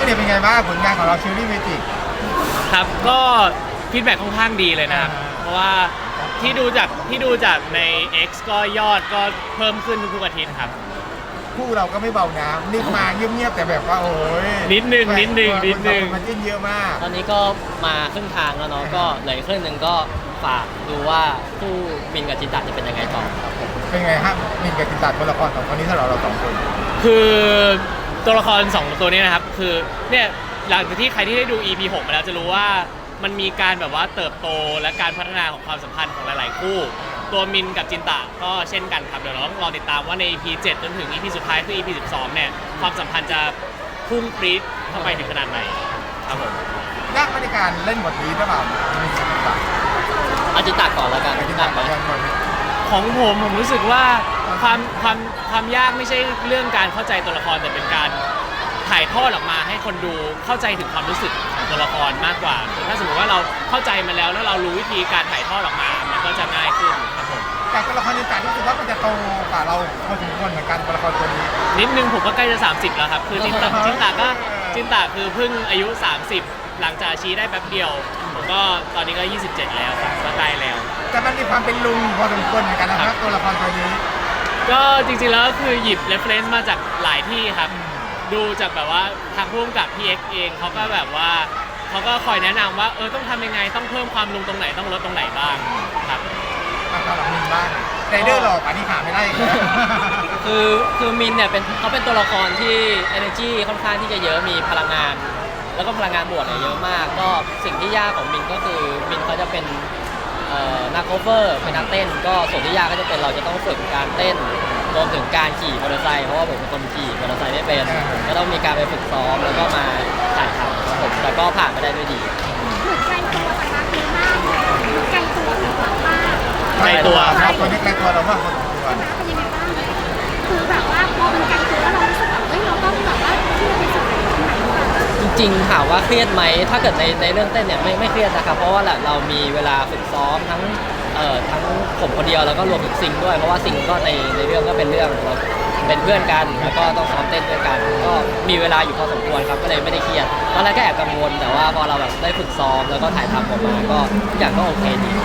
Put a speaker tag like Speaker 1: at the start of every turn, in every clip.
Speaker 1: พี่เดชเป็นไงบ้างผลงานของเราเชอรี่เมจิก
Speaker 2: ครับก็ฟีดแบ็กค่อนข้างดีเลยนะครับเพราะว่าที่ดูจากใน X ก็ยอดก็เพิ่มขึ้นทุกๆอาทิตย์ครับ
Speaker 1: คู่เราก็ไม่เบานะนิ่งมาเงียบๆแต่แบบว่าโอ้ย
Speaker 2: นิดนึง
Speaker 1: มันจิ้นเยอะมาก
Speaker 3: ตอนนี้ก็มาครึ่งทางแล้วเนาะก็เหลือครึ่งหนึ่งก็ฝากดูว่าคู่มินกับจินตะจะเป็นยังไงต่อครับผม
Speaker 1: เป็นไงฮะมินกับจินตะตัวละครสองคนนี้ถ้าเราสองคน
Speaker 2: คือตัวละคร2ตัวนี้นะครับคือเนี่ยหลังจากที่ใครที่ได้ดู EP 6มาแล้วจะรู้ว่ามันมีการแบบว่าเติบโตและการพัฒนาของความสัมพันธ์ของหลายๆคู่ตัวมินกับจินตะก็เช่นกันครับเดี๋ยวเราต้องรอติดตามว่าใน EP 7จนถึง EP สุดท้ายคือ EP 12เนี่ยความสัมพันธ์จะพุ่งปรี๊ดเข้าไปถึงขนาดไหนครับผม
Speaker 1: ยากในการเล่นบทนี้หรือเปล่ามินกับจินตะ
Speaker 3: เอาจินตะก่อนแล้วกัน
Speaker 1: จินตะก่อน
Speaker 2: ของผมรู้สึกว่าความยากไม่ใช่เรื่องการเข้าใจตัวละครแต่เป็นการถ่ายทอดออกมาให้คนดูเข้าใจถึงความรู้สึกของตัวละครมากกว่าถ้าสมมติว่าเราเข้าใจมันแล้วเรารู้วิธีการถ่ายทอดออกมามันก็จะง่ายขึ้นครับผม
Speaker 1: แต่ตัวละครจินตะรู้สึกว่ามันจะโตกว่าเราพอสมควรเหมือนกันตัวละครตัวนี้
Speaker 2: นิดนึงผมก็ใกล้จะ30แล้วครับคือจินตะคือเพิ่งอายุ30หลังจากชี้ได้แป๊บเดียวผมก็ตอนนี้ก็27แล้วครับก็ใกล้แล้ว
Speaker 1: แต่มันมีความเป็นลุงพอสมควรเหมือนกันนะครับตัวละครตัวนี้
Speaker 2: ก็จริงๆแล้วก็คือหยิบ reference มาจากหลายที่ครับดูจากแบบว่าทางผู้กำกับพี่เอ็กเองเขาก็แบบว่าเขาก็คอยแนะนำว่าต้องทำยังไงต้องเพิ่มความลุงตรงไหนต้องลดตรงไหนบ้างครับ
Speaker 1: สำหรับมินบ้างไรเดอร์หลอกอันนี้หาไม่ได้
Speaker 3: คือมินเนี่ยเขาเป็นตัวละครที่ energy ค่อนข้างที่จะเยอะมีพลังงานแล้วก็พลังงานบวกเนี่ยเยอะมากก็สิ่งที่ยากของมินก็คือมินเขาจะเป็นนักโคเวอร์เป็นนักเต้นก็ส่วนที่ยากก็จะเป็นเราจะต้องฝึกการเต้นรวมถึงการขี่มอเตอร์ไซค์เพราะว่าผมเป็นคนขี่มอเตอร์ไซค์ไม่เป็นก็ต้องมีการไปฝึกซ้อมแล้วก็มาถ่ายทำครับผมแต่ก็ผ่านไปได้ด้วยดี
Speaker 4: เหมือนไกลตัวแต่รักเยอะมากไกลตัวหรือเปล่ามาก
Speaker 2: ไกลตัว
Speaker 1: ครับตัวนี้ไกลตัวเรามากคนตัว
Speaker 4: เป็นยังไงบ้างคือแบบว่าพอมันไกลตัวแล้วเรารู้สึกแบบเราต้องแบบว่าที่จะไปสุดตรงไหนหรือเปล่า
Speaker 3: จริงๆถามว่าเครียดไหมถ้าเกิดในเรื่องเต้นเนี่ยไม่เครียดนะครับเพราะว่าเรามีเวลาฝึกซ้อมทั้งผมคนเดียวแล้วก็รวมถึงซิงด้วยเพราะว่าซิงก็ในเรื่องก็เป็นเรื่องเราเป็นเพื่อนกันแล้วก็ต้องซ้อมเต้นด้วยกันก็มีเวลาอยู่พอสมควรครับก็เลยไม่ได้เครียดตอนแรกก็แอบกังวลแต่ว่าพอเราแบบได้ฝึกซ้อมแล้วก็ถ่ายทำออกมาก็ทุกอย่างก็โอเคดี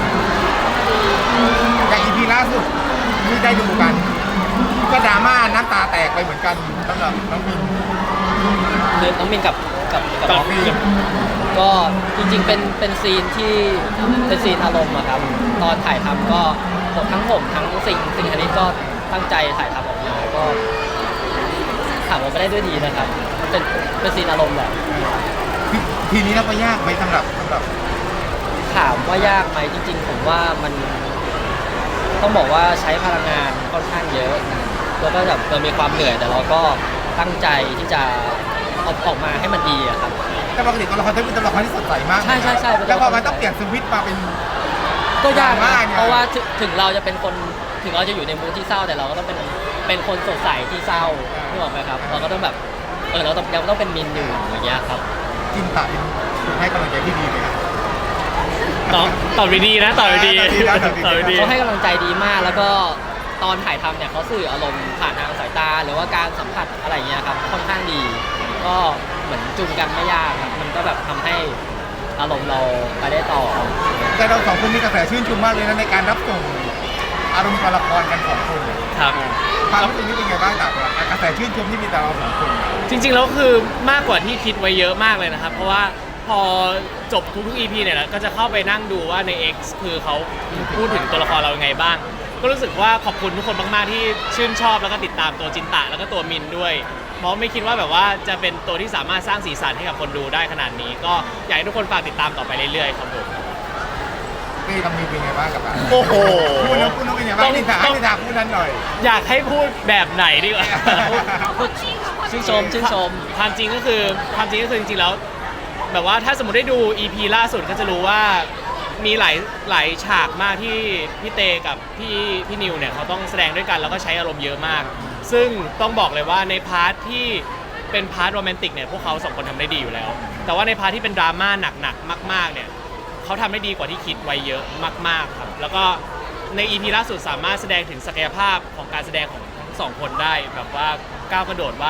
Speaker 1: อย่าง EP ล่าสุดที่ได้ดูกันก็ดราม่าน้ำตาแตกไปเหมือนกันสำหรับน้องมิน
Speaker 3: คือน้องมินกับน้องมินก็จริงๆเป็นซีนที่เป็นซีนอารมณ์อะครับตอนถ่ายทำก็ทั้งผมทั้งสิ่งอันนี้ก็ตั้งใจถ่ายทำออกมาก็ถามว่าไม่ได้ด้วยดีนะครับเป็นซีนอารมณ์แหละ
Speaker 1: ทีนี้เราก็ยากไหมสำหรับ
Speaker 3: ถามว่ายากไหมจริงๆผมว่ามันต้องบอกว่าใช้พลังงานค่อนข้างเยอะแล้วก็แบบมีความเหนื่อยแต่เราก็ตั้งใจที่จะออกมาให้มันดีอะครับ
Speaker 1: แต่ปกติตัวละครเป็นตัวละครที่สดใสมาก
Speaker 3: ใช่
Speaker 1: แล้วพอมันต้องเปลี่ยนสวิตช์มาเป็น
Speaker 3: ก็ยากมากเพราะว่าถึงเราจะเป็นคนถึงเราจะอยู่ในมูดที่เศร้าแต่เราก็ต้องเป็นคนสดใสที่เศร้านึกออกไหมครับเราก็ต้องแบบเราต้องเป็นมินอยู่อย่างเงี้ยครับ
Speaker 1: จินตะให้กำลังใจที่ดีไหมครับ
Speaker 2: ตอบดีนะตอบดี
Speaker 3: เขาให้กำลังใจดีมากแล้วก็ตอนถ่ายทำเนี่ยเขาสื่ออารมณ์ผ่านทางสายตาหรือว่าการสัมผัสอะไรเงี้ยครับค่อนข้างดีก็เหมือนจูงกันไม่ยากครับมันก็แบบทำให้อารมณ์เราไปได้ต่อ
Speaker 1: แต่เราสองคนมีกระแสชื่นชมมากเลยนะในการรับส่งอารมณ์ตัวละครกันของคน
Speaker 2: ครับ
Speaker 1: ความรู้สึกนี้เป็นไงบ้างจากกระแสชื่นชมที่มีแต่เราสองคน
Speaker 2: จริงๆแล้วคือมากกว่าที่คิดไว้เยอะมากเลยนะครับเพราะว่าพอจบทุกๆ EP เนี่ยก็จะเข้าไปนั่งดูว่าใน X คือเขาพูดถึงตัวละครเรายังไงบ้างก็รู้สึกว่าขอบคุณทุกคนมากๆที่ชื่นชอบแล้วก็ติดตามตัวจินตะแล้วก็ตัวมินด้วยเพราะไม่คิดว่าแบบว่าจะเป็นตัวที่สามารถสร้างสีสันให้กับคนดูได้ขนาดนี้ก็อยากให้ทุกคนฝากติดตามต่อไปเรื่อยๆครับผม
Speaker 1: พี่ทำมีเป็นไงบ้างกับ
Speaker 2: โอ้โห
Speaker 1: พูดแล้วเป็นไงบ้างนิทาพูดนั้นหน่อย
Speaker 2: อยากให้พูดแบบไหนดีกว่า
Speaker 3: ชื่นชม
Speaker 2: ความจริงก็คือจริงๆแล้วแบบว่าถ้าสมมติได้ดู EP ล่าสุดก็จะรู้ว่ามีหลายฉากมากที่พี่เตกับพี่นิวเนี่ยเขาต้องแสดงด้วยกันแล้วก็ใช้อารมณ์เยอะมากซึ่งต้องบอกเลยว่าในพาร์ทที่เป็นพาร์ทโรแมนติกเนี่ยพวกเขาสองคนทำได้ดีอยู่แล้วแต่ว่าในพาร์ทที่เป็นดราม่าหนักๆมากๆเนี่ยเขาทำได้ดีกว่าที่คิดไว้เยอะมากๆครับแล้วก็ใน EP ล่าสุดสามารถแสดงถึงศักยภาพของการแสดงของทั้งสองคนได้แบบว่าก้าวกระโดดว่า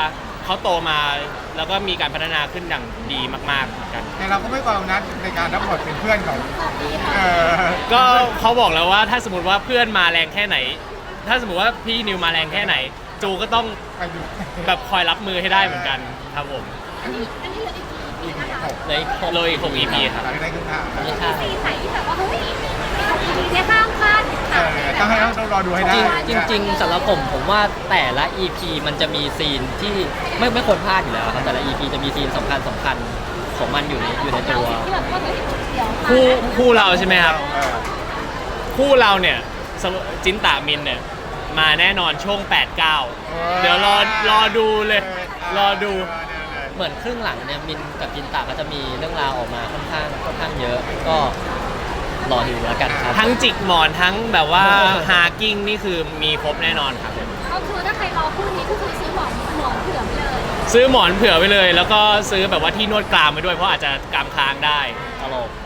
Speaker 2: เขาโตมาแล้วก็มีการพัฒนาขึ้นอย่างดีมากๆเหมือนกัน
Speaker 1: แต่เราก็ไม่ความนัดในการรับบทเป็นเพื่อนของเ
Speaker 2: ก็เขาบอกแล้วว่าถ้าสมมติว่าเพื่อนมาแรงแค่ไหน ถ้าสมมติว่าพี่นิวมาแรงแค่ไหน จูก็ต้อง
Speaker 1: ไปดู
Speaker 2: แบบคอยรับมือให้ได้เหมือนกันครับผม
Speaker 4: อันนี้เหลืออีกกี่ปีนะคะ
Speaker 3: เลยหก
Speaker 2: เลย6 EP ครับ
Speaker 1: หลังได้ขึ้นทาง
Speaker 3: ไม่
Speaker 4: มี
Speaker 3: ใช่
Speaker 4: ซีนไหนที่แบบว่าเฮ้ยทีเนี่ยข้ามคาด
Speaker 1: ต้องให้ต้องรอดูให้ได้
Speaker 3: จริงๆสำหรับผมว่าแต่ละ EP มันจะมีซีนที่ไม่ควรพลาดอยู่แล้วครับแต่ละ EP จะมีซีนสำคัญของมันอยู่ในตัว
Speaker 4: ที่แบบว่าเฮ้ยเดี๋ยวมา
Speaker 2: คู่เราใช่ไหมครับ คู่เราเนี่ยจินตามินเนี่ยมาแน่นอนช่วง 8-9 เดี๋ยวรอดูเลย รอดู
Speaker 3: เหมือนครึ่งหลังเนี่ยมินกับจินตาก็จะมีเรื่องราวออกมาค่อนข้างเยอะ ก็รอดูแล้วกันครับ
Speaker 2: ทั้งจิกหมอนทั้งแบบว่าฮากิ้งนี่คือมีครบแน่นอนครับ
Speaker 4: ก็คือถ้าใครรอคู่นี้ก็คือซื้อหมอนเผื่อไปเลย
Speaker 2: ซื้อหมอนเผื่อไว้เลย แล้วก็ซื้อแบบว่าที่นวดกรามไปด้วยเพราะอาจจะกรามค้างได้
Speaker 3: ตลก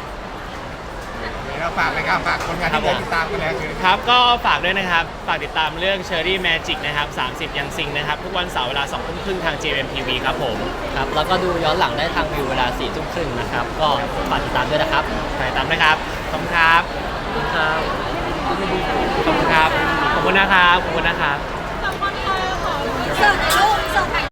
Speaker 1: เราฝากเลยครับฝากคนงานที่ได้ติดตามกันแล้วคือ
Speaker 2: ครับก็ฝากด้วยนะครับ ฝากติดตามเรื่อง Cherry Magic นะครับ 30 ยังซิงนะครับ ทุกวันเสาร์เวลา 2 ทุ่มครึ่งทาง JMTV ครับผม
Speaker 3: ครับแล้วก็ดูย้อนหลังได้ทางวิวเวลา 4 ทุ่มครึ่งนะครับ ก็ฝากติดตามด้วยนะครับ
Speaker 2: ฝากติดตามนะครับ ขอบคุณครับ
Speaker 3: ขอบคุณครับ
Speaker 2: ขอบคุณครับ ขอบคุณนะครับ ขอบคุณนะครับ
Speaker 4: เสิร์ฟในรูปเสิร์ฟ